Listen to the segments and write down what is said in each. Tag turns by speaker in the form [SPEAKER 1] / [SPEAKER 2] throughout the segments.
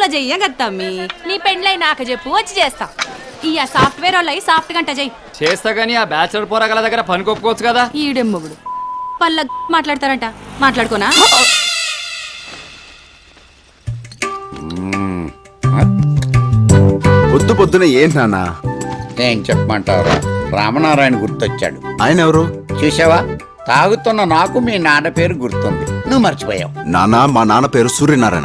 [SPEAKER 1] చెయ్యగత్తమ్మి నీ పెండ్లై నాకు చెప్పు వచ్చి చేస్తా ఇయ్య సాఫ్ట్వేర్ వాళ్ళు సాఫ్ట్ గంట చెయ్యి
[SPEAKER 2] చేస్తా గానీ ఆ బ్యాచులర్ పోరగాల దగ్గర పని కొప్పుకోవచ్చు కదా.
[SPEAKER 1] ఈడెమ్మగుడు పళ్ళ మాట్లాడతారంట మాట్లాడుకోనా.
[SPEAKER 3] పొద్దు పొద్దున ఏంటి నాన్న?
[SPEAKER 4] ఏం చెప్పమంటావురా, రామనారాయణ గుర్తొచ్చాడు.
[SPEAKER 3] ఆయన ఎవరు?
[SPEAKER 4] చూసావా, తాగుతున్న నాకు మీ నాన్న పేరు గుర్తుంది, నువ్వు మర్చిపోయావు.
[SPEAKER 3] నాన్న, మా నాన్న పేరు సూర్యనారాయణ.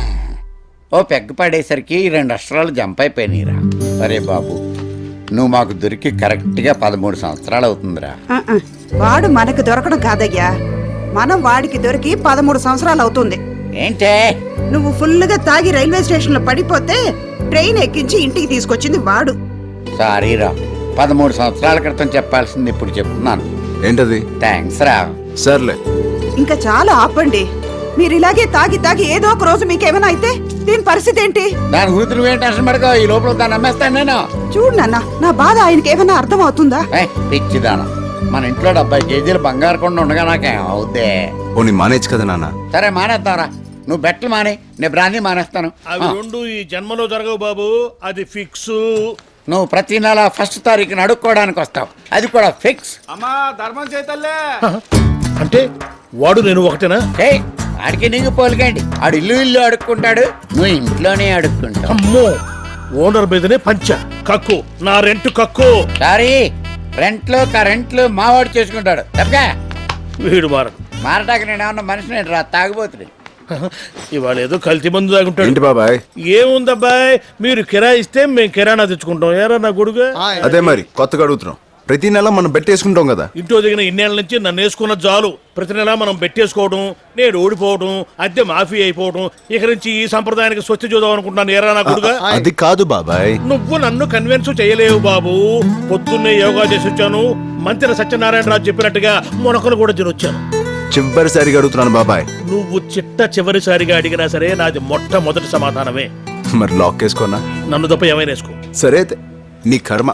[SPEAKER 4] ఓ పెగ్గ పడేసరికి 2 అక్షరాలు జంప్ అయిపోయినాయిరా. అరే బాబు, నువ్వు మాకు దొరికి కరెక్ట్గా 13 సంవత్సరాలు అవుతుందిరా.
[SPEAKER 5] వాడు మనకు దొరకడం కాదయ్యా, మనం వాడికి దొరికి 13 సంవత్సరాలు అవుతుంది.
[SPEAKER 4] ఏంటే
[SPEAKER 5] నువ్వు ఫుల్గా తాగి రైల్వే స్టేషన్ లో పడిపోతే ట్రైన్ ఎక్కించి ఇంటికి తీసుకొచ్చింది వాడు.
[SPEAKER 4] సారీరా, 13 సంవత్సరాల క్రితం చెప్పాల్సింది ఇప్పుడు చెప్తున్నాను.
[SPEAKER 3] ఏంటది?
[SPEAKER 4] థ్యాంక్స్ రా.
[SPEAKER 3] సర్లే,
[SPEAKER 5] ఇంకా చాలా ఆపండి. మీరు ఇలాగే తాగి తాగి ఏదో ఒక రోజు మీకేమైనా అయితే దీని పరిస్థితి ఏంటి?
[SPEAKER 4] దాని గురించి నువ్వేం టెన్షన్ పడతావు, ఈ లోపల దాన్ని అమ్మేస్తాను నేను.
[SPEAKER 5] చూడు నాన్న, నా బాధ ఆయనకి ఏమైనా అర్థం అవుతుందా?
[SPEAKER 4] పిచ్చిదాన, మన ఇంట్లో 70 కేజీలు బంగారు కొండ ఉండగా నాకేం అవుద్దే.
[SPEAKER 3] పోనీ మానేచ్చు కదా నాన్న.
[SPEAKER 4] సరే మానేద్దాంరా, నువ్వు బెట్లు మానే, నేను బ్రాందీ మానేస్తాను.
[SPEAKER 6] అవి రెండు ఈ జన్మలో జరగవు బాబు, అది ఫిక్స్.
[SPEAKER 4] నువ్వు ప్రతి నెల 1st తారీఖున అడుక్కోవడానికి వస్తావు, అది కూడా ఫిక్స్.
[SPEAKER 2] అమ్మా ధర్మం చేతల్లే.
[SPEAKER 6] అంటే వాడు నేను ఒకటేనా?
[SPEAKER 4] ఆడికి నీకు పోలికండి, ఆడు ఇల్లు అడుక్కుంటాడు, నువ్వు ఇంట్లోనే అడుక్కుంటావు.
[SPEAKER 6] అమ్మో, ఓనర్ మీదనే పంచ కక్కు, నా రెంట్ కక్కు.
[SPEAKER 4] సారీ, రెంట్లు కరెంట్లు మావాడు చేసుకుంటాడు తప్పగా.
[SPEAKER 6] వీడు మారడు.
[SPEAKER 4] మారటానికి నేను ఏమన్నా మనిషిని రా, తాగుబోతుని.
[SPEAKER 6] ఇవాళ ఏదో కల్తీ మందు తాగుంటాడు.
[SPEAKER 3] ఏంటి బాబాయ్?
[SPEAKER 6] ఏముందబ్బాయ్, మీరు కిరాయి ఇస్తే మేము కిరాణా తెచ్చుకుంటాం. ఏరా నా గొడుగు?
[SPEAKER 3] అదే మరి కొత్తగా అడుగుతున్నాం. ప్రతి నెల మనం బెట్టేసుకుంటాం కదా.
[SPEAKER 6] ఇంట్లో దిగిన ఇన్నేళ్ల నుంచి నన్ను వేసుకున్న జాలు. ప్రతి నెల మనం బెట్టేసుకోవడం, నేను ఓడిపోవడం, అద్దె మాఫీ అయిపోవడం. ఇక నుంచి ఈ సంప్రదాయానికి స్వస్తి చూద్దాం అనుకుంటున్నాను. ఏరా నా గొడుగు?
[SPEAKER 3] అది కాదు బాబాయ్.
[SPEAKER 6] నువ్వు నన్ను కన్విన్స్ చేయలేవు బాబు. పొద్దున్నే యోగా చేసి వచ్చాను, మంత్రి సత్యనారాయణరాజు చెప్పినట్టుగా మొనకలు కూడా తినొచ్చాను.
[SPEAKER 3] చివరిసారిగా అడుగుతున్నాను బాబాయ్.
[SPEAKER 6] నువ్వు చివరిసారిగా అడిగినా సరే నాది మొట్టమొదటి సమాధానమే.
[SPEAKER 3] మరి లాక్ వేసుకోనా?
[SPEAKER 6] నన్ను తప్ప ఏమైనా వేసుకో.
[SPEAKER 3] సరే అయితే, నీ కర్మ.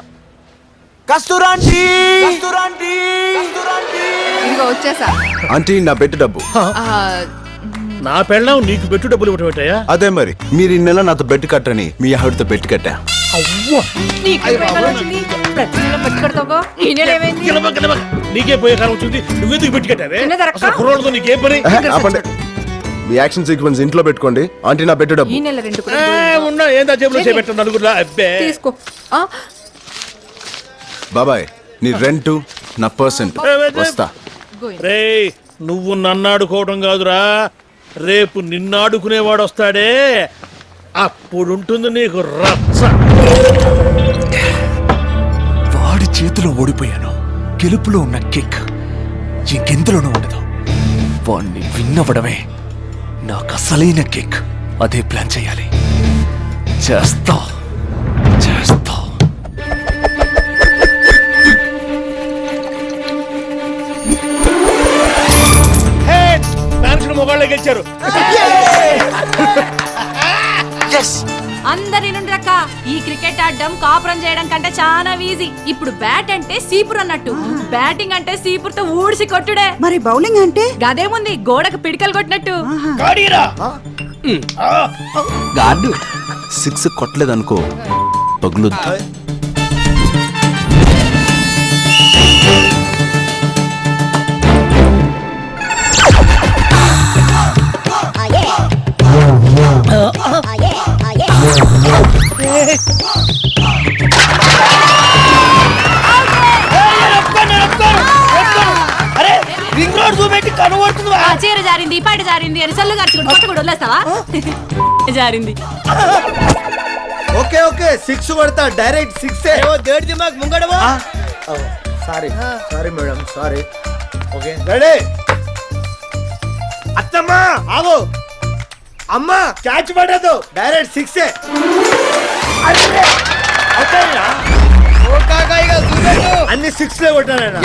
[SPEAKER 1] ఇదిగో వచ్చేసా.
[SPEAKER 3] ఆంటీ, నా బెట్టు డబ్బు.
[SPEAKER 6] నా పెళ్ళం నీకు పెట్టు డబ్బులు ఇవ్వటం ఏంటయ్యా?
[SPEAKER 3] అదే మరి, మీరు ఈ నెల నాతో బెట్టు కట్టని మీ ఆవిడతో బెట్టు కట్టా.
[SPEAKER 6] నీకే పోయే కాలం వచ్చింది, నువ్వెందుకు పెట్టి కట్టావే? అసలు కుర్రోళ్ళతో నీకేం పని?
[SPEAKER 3] ఆపండి. మీ యాక్షన్ సీక్వెన్స్ ఇంట్లో పెట్టుకోండి. ఆంటీ, నా బెట్టు డబ్బు.
[SPEAKER 6] ఉన్నా ఏందా జేబులో చేపెట్టాను నలుగురులా. అబ్బే
[SPEAKER 1] తీసుకో.
[SPEAKER 3] బాబాయ్, నీ రెంట్ నా పర్సెంట్ వస్తా.
[SPEAKER 6] రే, నువ్వు నన్ను ఆడుకోవడం కాదురా, రేపు నిన్ను ఆడుకునేవాడు వస్తాడే, అప్పుడుంటుంది నీకు రచ్చ.
[SPEAKER 7] వాడి చేతిలో ఓడిపోయాను, గెలుపులో ఉన్న కిక్ ఇంకెందులోనూ ఉండదు. వాణ్ణి విన్నవడమే నాకు అసలైన కిక్. అదే ప్లాన్ చేయాలి. చేస్తా.
[SPEAKER 6] మొగాళ్ళే గెలిచారు.
[SPEAKER 1] అందరి నుండి రక్క ఈ క్రికెట్ ఆడడం కాపురం చేయడం కంటే చాలా ఈజీ. ఇప్పుడు బ్యాట్ అంటే సీపురు అన్నట్టు, బ్యాటింగ్ అంటే సీపురుతో ఊడిసి కొట్టుడే.
[SPEAKER 5] మరి బౌలింగ్ అంటే
[SPEAKER 1] గదేముంది, గోడకు పిడికలు కొట్టినట్టు.
[SPEAKER 3] గాడు 6 కొట్టలేదనుకో, పగులుద్దు.
[SPEAKER 1] చీర జారింది, పాట జారింది అని సల్లు గార్చుకుంటూ కూడా వదిలేస్తావా? జారింది.
[SPEAKER 8] ఓకే ఓకే, 6 కొడతా, డైరెక్ట్ 6. దేడి దిమాగ్ ముంగడవా. Sorry madam, sorry. Okay ready. అత్తమ్మా ఆగో, అమ్మా క్యాచ్ పడదు, డైరెక్ట్ 6. అన్ని 6 కొట్టాను.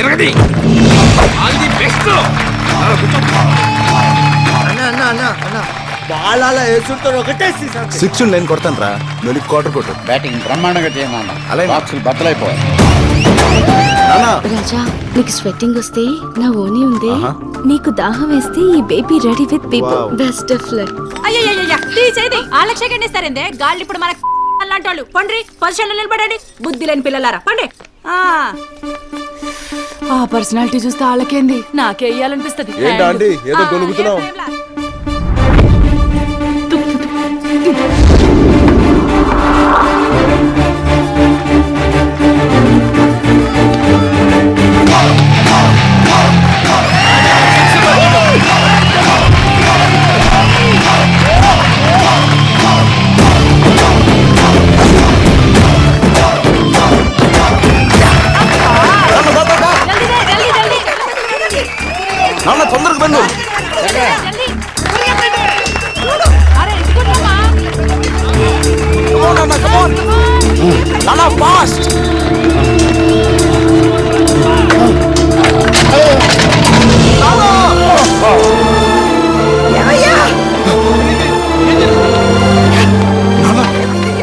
[SPEAKER 8] బాల్ అలా వేసుకుంటారు, ఒకటే
[SPEAKER 3] 6 నేను కొడతాను రా, నువ్వు క్వార్టర్ కొట్టు.
[SPEAKER 4] బ్యాటింగ్ బ్రహ్మాండంగా చేయమన్నా,
[SPEAKER 3] అలాగే
[SPEAKER 4] బాక్సులు బద్దలైపోవాలి.
[SPEAKER 9] రాజా, నీకు స్వెట్టింగ్ వస్తే నా ఓనీ ఉంది. నీకు దాహం వేస్తే ఈ baby ready with people best of luck.
[SPEAKER 1] అయ్యయ్యయ్య తీసేది వాళ్ళకి సెకండ్ ఇస్తారేందే గాళ్ళు ఇప్పుడు మనకు అలాంటి వాళ్ళు పండ్రి పొజిషన్ నిలబడండి బుద్ధి లేని పిల్లలారా పండి ఆ పర్సనాలిటీ చూస్తే వాళ్ళకేంది నాకే వేయాలనిపిస్తుంది
[SPEAKER 3] ఏంటా ఆంటీ, ఏదో గొనుగుతున్నావు? నాన్న తొందరగా బండి. నాన్న ఫాస్ట్.